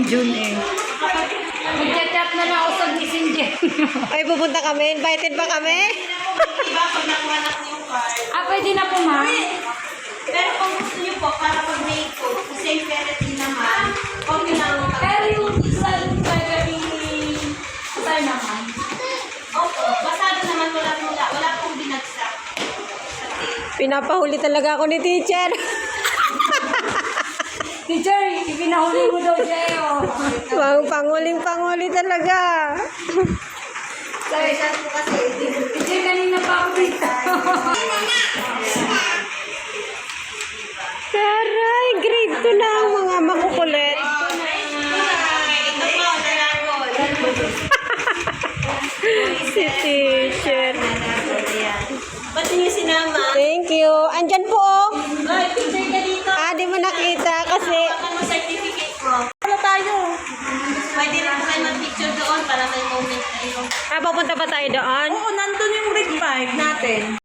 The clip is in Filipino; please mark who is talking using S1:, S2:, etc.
S1: June eh. Mag-chat na lang ako sa messenger.
S2: Ay, pupunta kami? Invited ba kami?
S1: Pwede na po, ma'am.
S3: Pero kung gusto niyo po, para pag may code, same period naman, okay lang.
S1: Pero yung salary, kasal naman.
S3: Opo, basado naman wala pong binagsak.
S2: Pinapahuli talaga ako ni teacher.
S1: Teacher, ipinahuli mo daw siya eh.
S2: Panguling-panguli talaga.
S3: Sorry, siya po kasi.
S1: Teacher, kanina pa ako dito.
S2: Taray, grade 2 na ang mga makukulit.
S3: Ito po, naragol.
S2: Si teacher.
S3: Ba't niyo sinama?
S2: Thank you. Andyan po. Oh.
S3: Ay, picture ka dito.
S2: Di mo nakita kasi...
S3: Ano certificate mo? Ano tayo? Pwede rin po kayo mag-picture doon para may moment na ito.
S2: Papunta ba tayo doon?
S3: Oo, nandun yung grade 5 natin.